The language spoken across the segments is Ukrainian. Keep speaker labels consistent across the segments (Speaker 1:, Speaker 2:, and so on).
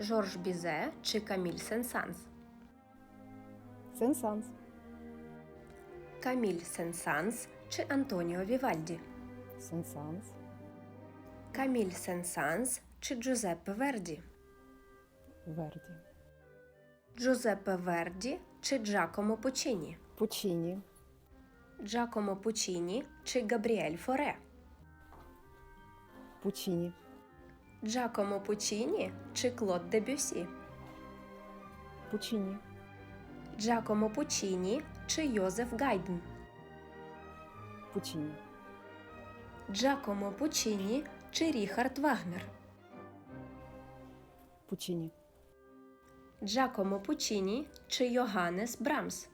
Speaker 1: Жорж Бізе чи Каміль Сен-Санс?
Speaker 2: Сен-Санс.
Speaker 1: Каміль Сен-Санс чи Антоніо Вівальді?
Speaker 2: Сен-Санс.
Speaker 1: Каміль Сен-Санс чи Джузеппе Верді?
Speaker 2: Верді.
Speaker 1: Джузеппе Верді чи Джакомо Пуччіні?
Speaker 2: Пуччіні.
Speaker 1: Джакомо Пуччіні чи Габріель Форе?
Speaker 2: Пуччіні.
Speaker 1: Джакомо Пуччіні чи Клод Дебюсі?
Speaker 2: Пуччіні.
Speaker 1: Джакомо Пуччіні чи Йозеф Гайдн?
Speaker 2: Пуччіні.
Speaker 1: Джакомо Пуччіні чи Ріхард Вагнер?
Speaker 2: Пуччіні.
Speaker 1: Джакомо Пуччіні чи Йоганнес Брамс?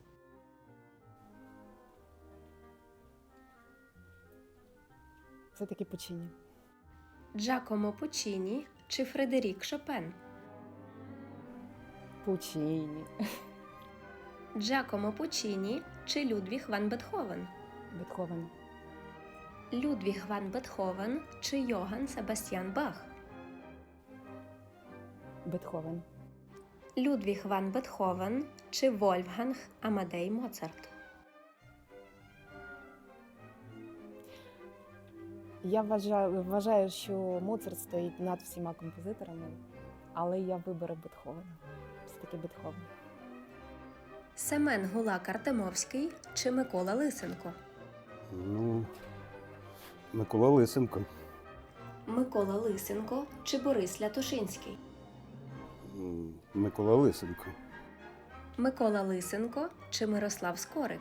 Speaker 2: Все-таки Пуччіні.
Speaker 1: Джакомо Пуччіні чи Фредерік Шопен?
Speaker 2: Пуччіні.
Speaker 1: Джакомо Пуччіні чи Людвіг ван Бетховен?
Speaker 2: Бетховен.
Speaker 1: Людвіг ван Бетховен чи Йоганн Себастьян Бах?
Speaker 2: Бетховен.
Speaker 1: Людвіг ван Бетховен чи Вольфганг Амадей Моцарт?
Speaker 2: Я вважаю, що Моцарт стоїть над всіма композиторами, але я виберу Бетховена. Все-таки Бетховен.
Speaker 1: Семен Гулак Артемовський чи Микола Лисенко?
Speaker 3: Микола Лисенко.
Speaker 1: Микола Лисенко чи Борис Лятушинський?
Speaker 3: Микола Лисенко.
Speaker 1: Микола Лисенко чи Мирослав Скорик?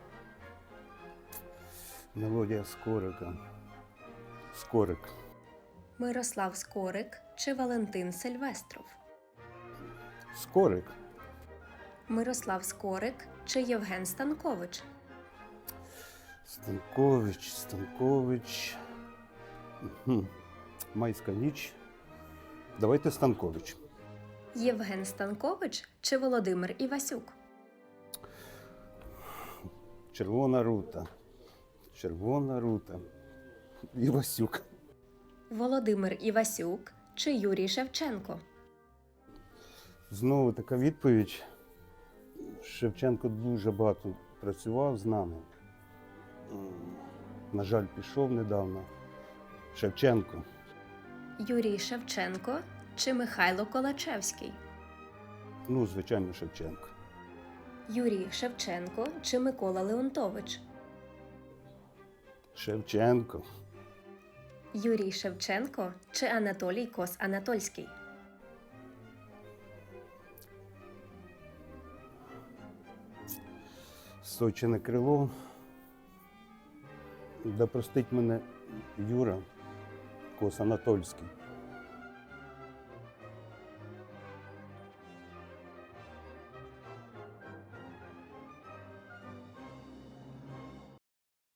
Speaker 3: Мелодія Скорика. Скорик.
Speaker 1: Мирослав Скорик чи Валентин Сильвестров?
Speaker 3: Скорик.
Speaker 1: Мирослав Скорик чи Євген Станкович?
Speaker 3: Станкович. Майська ніч. Давайте Станкович.
Speaker 1: Євген Станкович чи Володимир Івасюк?
Speaker 3: Червона рута. Червона рута. Івасюк.
Speaker 1: Володимир Івасюк чи Юрій Шевченко?
Speaker 3: Знову така відповідь. Шевченко дуже багато працював з нами. На жаль, пішов недавно. Шевченко.
Speaker 1: Юрій Шевченко чи Михайло Колачевський?
Speaker 3: Звичайно, Шевченко.
Speaker 1: Юрій Шевченко чи Микола Леонтович?
Speaker 3: Шевченко.
Speaker 1: Юрій Шевченко чи Анатолій Кос-Анатольський?
Speaker 3: Сочине крило. Да простить мене Юра Кос-Анатольський.